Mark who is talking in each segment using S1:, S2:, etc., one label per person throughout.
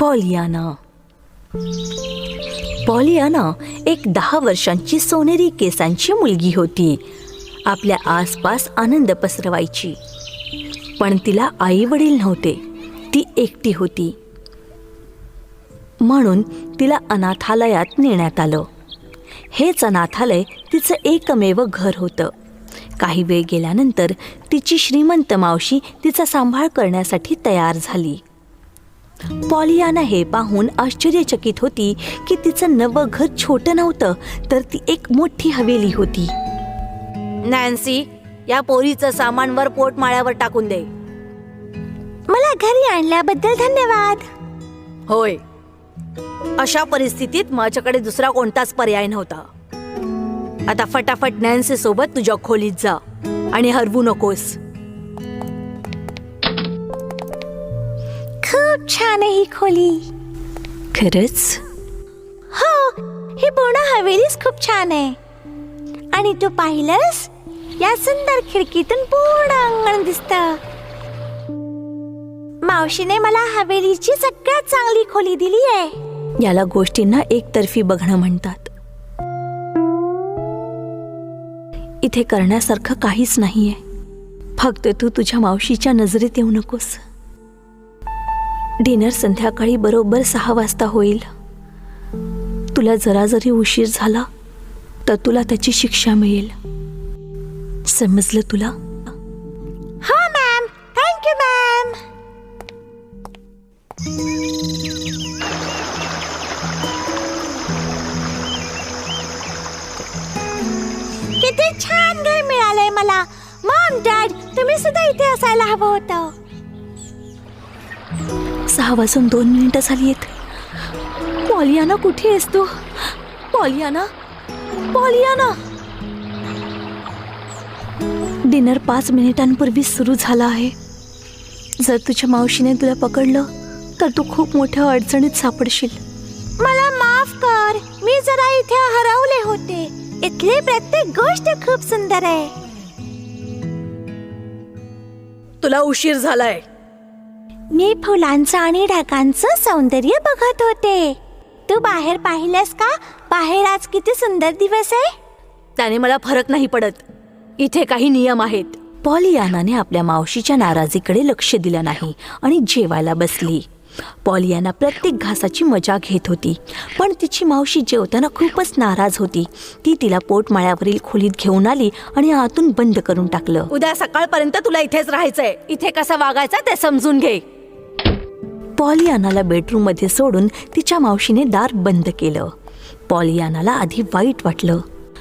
S1: Pollyanna. Pollyanna एक 10 वर्षांची सोनेरी केसांची मुलगी होती. आपल्या आसपास आनंद पसरवायची. पण तिला आई वडील नव्हते. ती एकटी होती. म्हणून तिला अनाथालयात नेण्यात आलं. हेच अनाथालय तिचं एकमेव घर होतं. काही वेळ गेल्यानंतर तिची श्रीमंत मावशी तिचा सांभाळ करण्यासाठी तयार झाली. पॉलियाना हे पाहून आश्चर्यचकित होती की तिचं नवं घर छोटं नव्हतं, तर ती एक मोठी हवेली होती. नॅन्सी, या पोरीचं सामान वर पोटमाळ्यावर टाकून दे.
S2: मला घरी आणल्याबद्दल धन्यवाद.
S1: होय, अशा परिस्थितीत माझ्याकडे दुसरा कोणताच पर्याय नव्हता. आता फटाफट नॅन्सी सोबत तुझ्या खोलीत जा आणि हरवू नकोस.
S2: खूप छान आहे ही खोली.
S1: खरंच?
S2: हो, ही पूर्ण हवेलीच खूप छान आहे. आणि तू पाहिलंस, या सुंदर खिडकीतून पूर्ण अंगण दिसतं. मावशीने मला हवेलीची सगळ्यात चांगली खोली दिली आहे.
S1: याला गोष्टींना एकतर्फी बघणं म्हणतात. इथे करण्यासारखं काहीच नाहीये. फक्त तू तुझ्या मावशीच्या नजरेत येऊ नकोस. डिनर संध्याकाळी बरोबर 6 वाजता होईल. तुला जरा जरी उशीर झाला तर तुला त्याची शिक्षा मिळेल. समजलं तुला?
S2: हो मॅम. Thank you ma'am. किती छान घर मिळालंय मला. मॉम, डॅड, तुम्ही सुद्धा इथे असायला हवं होतं.
S1: 6 वाजून 2 मिनिटं झाली आहेत. पॉलियाना, कुठे आहेस तू? Pollyanna, Pollyanna. डिनर 5 मिनिटांपूर्वी सुरू झाला आहे. जर तुझ्या मावशीने तुला पकडलं तर तू खूप मोठ्या अडचणीत सापडशील.
S2: मला माफ कर. मी जरा इथे हरवले होते. इथली प्रत्येक गोष्ट खूप सुंदर आहे.
S1: तुला उशीर झालाय.
S2: मी फुलांचं आणि ढगांचं सौंदर्य बघत होते. तू बाहेर पाहिलंस का? बाहेर आज किती सुंदर दिवस आहे.
S1: त्याने मला फरक नाही पडत. इथे काही नियम आहेत. पॉलियानाने आपल्या मावशीच्या नाराजीकडे लक्ष दिलं नाही आणि जेवायला बसली. पॉलियाना प्रत्येक घासाची मजा घेत होती, पण तिची मावशी जेवताना खूपच नाराज होती. ती तिला पोटमाळ्यावरील खोलीत घेऊन आली आणि आतून बंद करून टाकलं. उद्या सकाळपर्यंत तुला इथेच राहायचंय. इथे कसं वागायचं ते समजून घे. पॉलियानाला बेडरूम मध्ये सोडून तिच्या मावशीने दार बंद केलं. पॉलियानाला आधी वाईट वाटलं.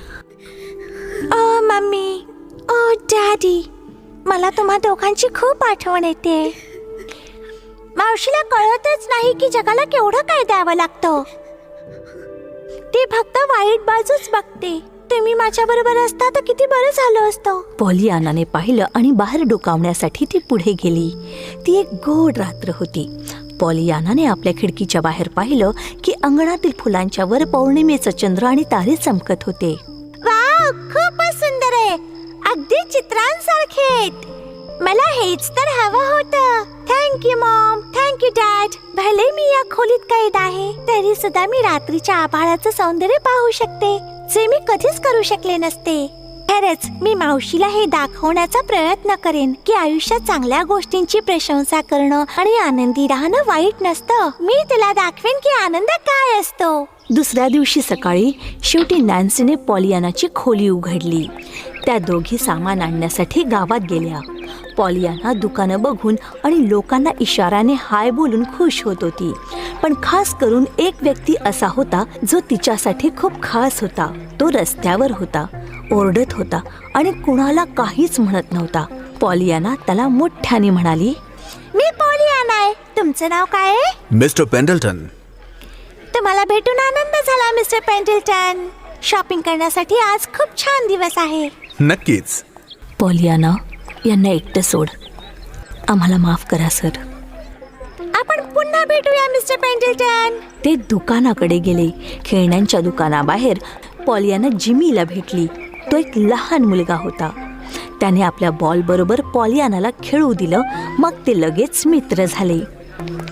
S2: ओ मम्मी, ओ डॅडी, मला तुम्हा दोघांची खूप आठवण येते. मावशीला कळतच नाही की जगाला केवढं काय द्यावं लागतं. ती फक्त वाईट बाजूच बघते. तुम्ही माझ्या बरोबर असता तर किती बरं झालं असतं.
S1: पॉलियानाने पाहिलं आणि बाहेर डोकावण्यासाठी ती पुढे गेली. ती एक गोड रात्र होती. पॉलियानाने आपल्या खिडकीच्या बाहेर पाहिलं की अंगणातील फुलांच्या वर पौर्णिमेचं चंद्र आणि तारे चमकत होते.
S2: वाव, खूपच सुंदर आहे. अगदी चित्रांसारखे आहेत. मला हेच तर हवं होतं. Thank you mom. Thank you dad. भले मी या खोलीत कैद आहे, तरी सुद्धा मी रात्रीच्या आभाळाचं सौंदर्य पाहू शकते, जे मी कधीच करू शकले नसते. खरंच मी मावशीला हे दाखवण्याचा प्रयत्न करेन की आयुष्यात चांगल्या गोष्टींची प्रशंसा करणं आणि आनंदी राहणं वाईट नसतं. मी तिला दाखवेन की आनंद काय असतो.
S1: दुसऱ्या दिवशी सकाळी शेवटी नॅन्सीने पॉलियानाची खोली उघडली. त्या दोघी सामान आणण्यासाठी गावात गेल्या. पॉलियाना दुकानं बघून आणि लोकांना इशाऱ्याने हाय बोलून खुश होत होती. पण खास करून एक व्यक्ती असा होता जो तिच्यासाठी खूप खास होता. तो रस्त्यावर होता, ओरडत होता आणि कुणाला काहीच म्हणत नव्हता. पॉलियाना त्याला मोठ्याने म्हणाली,
S2: मी पॉलियाना आहे. तुमचं नाव काय आहे?
S3: Mister Pendleton.
S2: तुम्हाला भेटून आनंद झाला मिस्टर पेंडल्टन. शॉपिंग करण्यासाठी आज खूप छान दिवस आहे.
S3: नक्कीच.
S1: पॉलियाना, यांना एकटं सोड. आम्हाला माफ करा सर.
S2: आपण पुन्हा भेटूया मिस्टर पेंडल्टन.
S1: ते दुकानाकडे गेले. खेळण्यांच्या दुकानाबाहेर पॉलियाना जिमीला भेटली. तो एक लहान मुलगा होता. त्याने आपल्या बॉल बरोबर पॉलियानाला खेळू दिलं. मग ते लगेच मित्र झाले.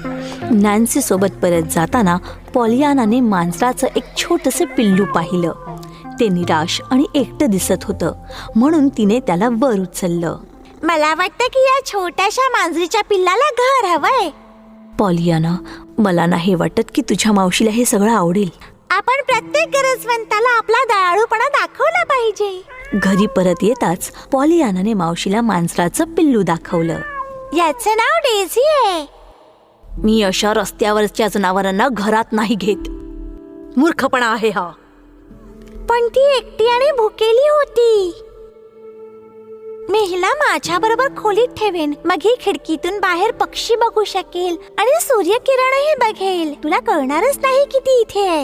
S1: नॅन्सी सोबत परत जाताना पॉलियानाने मांजराचं एक छोटंसं पिल्लू पाहिलं. ते निराश आणि एकटं दिसत होतं, म्हणून तिने त्याला वर उचललं.
S2: मला वाटतं की या छोट्याशा मांजरीच्या पिल्लाला घर हवंय.
S1: पॉलियाना, मला नाही वाटत की तुझ्या मावशीला हे सगळं आवडेल.
S2: आपण प्रत्येक गरजवंताला आपला दयाळूपणा दाखवला पाहिजे.
S1: घरी परत येताच पॉलियानाने मावशीला मांजराचं पिल्लू दाखवलं.
S2: याचं नाव डेझी आहे.
S1: मी अशा रस्त्यावरच्या जनावरांना घरात नाही घेत. मूर्खपणा आहे हा.
S2: पण ती एकटी आणि भुकेली होती. मी हिला माझ्या बरोबर खोलीत ठेवेन. मग ही खिडकीतून बाहेर पक्षी बघू शकेल आणि सूर्यकिरणही बघेल. तुला कळणारच नाही की ती इथे आहे.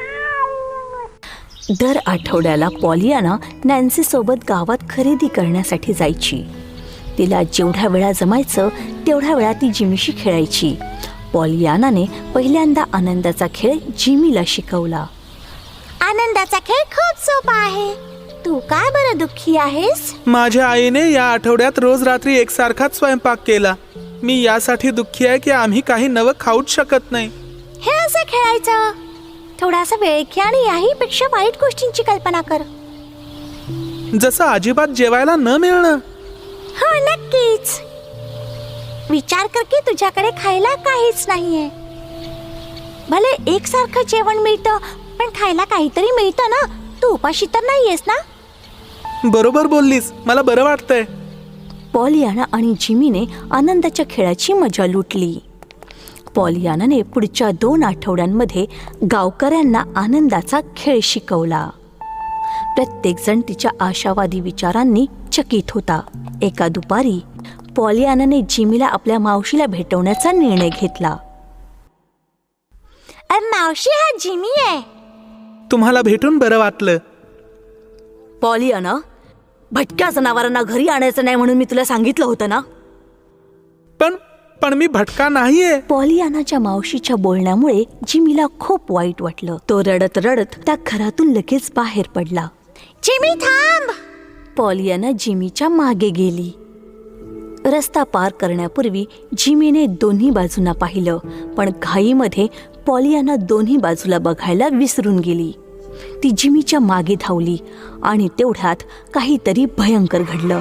S1: दर आठवड्याला पॉलियाना नॅन्सी सोबत गावात खरेदी करण्यासाठी जायची. तिला जेवढ्या वेळा जमायचं तेवढ्या वेळा ती जिमीशी खेळायची. पॉलियानाने पहिल्यांदा आनंदाचा खेळ जिमीला शिकवला.
S2: आनंदाचा खेळ खूप सोपा आहे. तू काय बरं दुःखी आहेस?
S4: माझ्या आईने या आठवड्यात रोज रात्री एकसारखाच स्वयंपाक केला. मी यासाठी दुःखी आहे की आम्ही काही नवं खाऊच शकत नाही.
S2: हे असं खेळायचं. थोडासा वेळ घे आणि याहीपेक्षा वाईट गोष्टींची कल्पना कर.
S4: जसं अजिबात जेवायला न मिळणं.
S2: हो, नक्कीच. विचार कर की तुझ्याकडे खायला काहीच नाहीये. भले एकसारखं जेवण मिळतं, पण खायला काहीतरी मिळतं ना. तू उपाशी तर नाहीयेस ना?
S4: बरोबर बोललीस. मला बरं वाटतंय.
S1: पॉलियाना आणि जिमीने आनंदाच्या खेळाची मजा लुटली. पॉलियानाने पुढच्या 2 आठवड्यांमध्ये गावकऱ्यांना आनंदाचा खेळ शिकवला. प्रत्येकजण तिच्या आशावादी विचारांनी चकित होता. एका दुपारी पॉलियानाने जिमीला आपल्या मावशीला भेटवण्याचा निर्णय घेतला.
S2: मावशी, हा जिमी आहे.
S4: तुम्हाला भेटून बरं वाटलं.
S1: पॉलियाना, भटक्या जनावरांना घरी आणायचं नाही म्हणून मी तुला सांगितलं होतं ना.
S4: पण मी भटका नाहीये.
S1: पॉलियानाच्या मावशीच्या बोलण्यामुळे जिमीला खूप वाईट वाटलं. तो रडत रडत त्या घरातून लगेच बाहेर पडला.
S2: जिमी, थांब.
S1: पॉलियाना जिमीच्या मागे गेली. रस्ता पार करण्यापूर्वी जिमीने दोन्ही बाजूंना पाहिलं, पण घाईमध्ये पॉलियाना दोन्ही बाजूला बघायला विसरून गेली. ती जिमीच्या मागे धावली आणि तेवढ्यात काहीतरी भयंकर घडलं.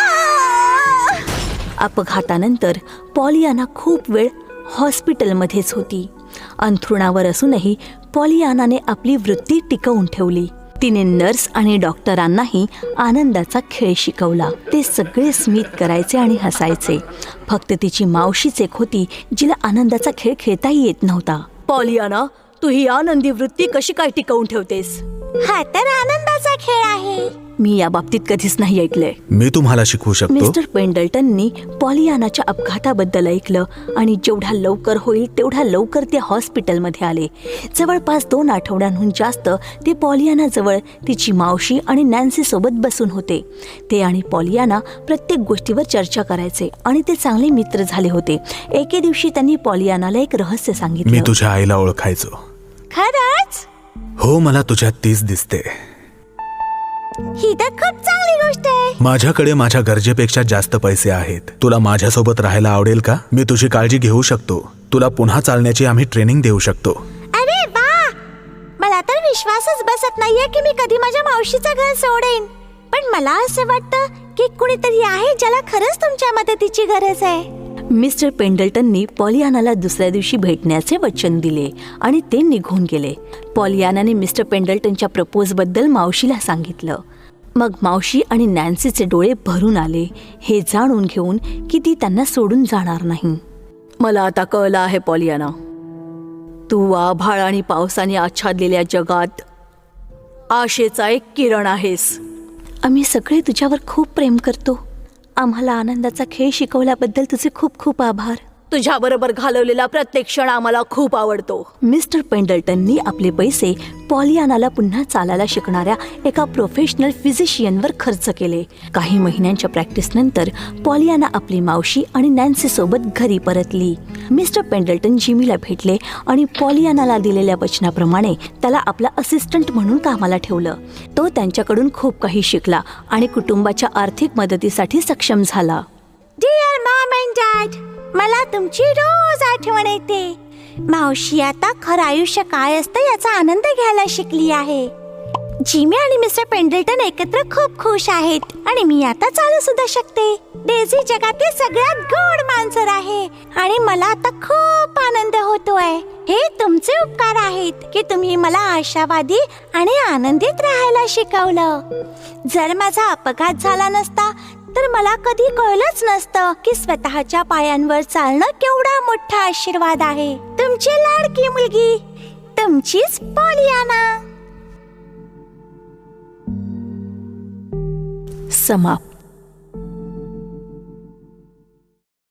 S1: अपघातानंतर पॉलियाना खूप वेळ हॉस्पिटलमध्येच होती. अंथरुणावर असूनही पॉलियानाने आपली वृत्ती टिकवून ठेवली. तिने नर्स आणि डॉक्टरांनाही आनंदाचा खेळ शिकवला. ते सगळे स्मित करायचे आणि हसायचे. फक्त तिची मावशीच एक होती जिला आनंदाचा खेळ खेळताही येत नव्हता. पॉलियाना, तू ही आनंदी वृत्ती कशी काय टिकवून ठेवतेस?
S2: हा तर आनंदाचा खेळ आहे.
S1: मी या बाबतीत कधीच नाही ऐकलंय.
S3: मी तुम्हाला शिकवू शकतो.
S1: मिस्टर पेंडल्टननी पॉलियानाच्या अपघाताबद्दल ऐकलं आणि जेवढ्या लवकर होईल तेवढ्या लवकर ते हॉस्पिटलमध्ये आले. जवळपास 2 आठवड्यांहून जास्त ते पॉलियानाजवळ तिची मावशी आणि नॅन्सी सोबत बसून होते. ते आणि पॉलियाना प्रत्येक गोष्टीवर चर्चा करायचे आणि ते चांगले मित्र झाले होते. एके दिवशी त्यांनी पॉलियानाला एक रहस्य
S3: मी
S1: सांगितलं.
S3: तुझ्या आईला ओळखायचो.
S2: खरंच?
S3: हो, मला तुझ्यात तीच दिसते.
S2: ही तर खूप चांगली गोष्ट आहे.
S3: माझ्याकडे माझ्या गरजेपेक्षा जास्त पैसे आहेत. तुला माझ्यासोबत राहायला आवडेल का? मी तुझी काळजी घेऊ शकतो. तुला पुन्हा चालण्याची आम्ही ट्रेनिंग देऊ शकतो.
S2: अरे वा, मला तर विश्वासच बसत नाहीये की मी कधी माझ्या मावशीचं घर सोडेन. पण मला असं वाटतं की कुणीतरी आहे ज्याला खरंच तुमच्या मदतीची गरज आहे.
S1: मिस्टर पेंडल्टननी पॉलियानाला दुसऱ्या दिवशी भेटण्याचे वचन दिले आणि ते निघून गेले. पॉलियानाने मिस्टर पेंडल्टनच्या प्रपोजबद्दल मावशीला सांगितलं. मग मावशी आणि नॅन्सीचे डोळे भरून आले, हे जाणून घेऊन की ती त्यांना सोडून जाणार नाही. मला आता कळलं आहे पॉलियाना, तू आभाळ आणि पावसाने आच्छादलेल्या जगात आशेचा एक किरण आहेस. आम्ही सगळे तुझ्यावर खूप प्रेम करतो. आम्हाला आनंदाचा खेळ शिकवल्याबद्दल तुझे खूप खूप आभार. तुझ्याबरोबर घालवलेला प्रत्येक क्षण आम्हाला खूप आवडतो. मिस्टर पेंडल्टननी आपले पैसे पॉलियानाला पुन्हा चालायला शिकणाऱ्या एका प्रोफेशनल फिजिशियनवर खर्च केले. काही महिन्यांच्या प्रॅक्टिसनंतर पॉलियाना आपली मावशी आणि नॅन्सी सोबत घरी परतली. मिस्टर पेंडल्टन जिमीला भेटले आणि पॉलियानाला दिलेल्या वचनाप्रमाणे त्याला आपला असिस्टंट म्हणून कामाला ठेवलं. तो त्यांच्याकडून खूप काही शिकला आणि कुटुंबाच्या आर्थिक मदतीसाठी सक्षम झाला.
S2: डिअर मॉम अँड डॅड, मला तुमची रोज आठवण येते. मावशी आता खरं आयुष्य काय असतं याचा आनंद घ्यायला शिकली आहे. जिमी आणि मिस्टर पेंडल्टन एकत्र खूप खुश आहेत आणि मी आता चालू सुद्धा शकते. डेझी जगातील सगळ्यात गोड मांजर आहे आणि मला आता खूप आनंद होतोय. हे तुमचे उपकार आहेत की तुम्ही मला आशावादी आणि आनंदित राहायला शिकवलं. जर माझा अपघात झाला नसता तर मला कधी कळलंच नसतं की स्वतःच्या पायांवर चालणं केवढा मोठा आशीर्वाद आहे. तुमची लाडकी मुलगी, तुमचीच पॉलियाना.
S1: समाप्त.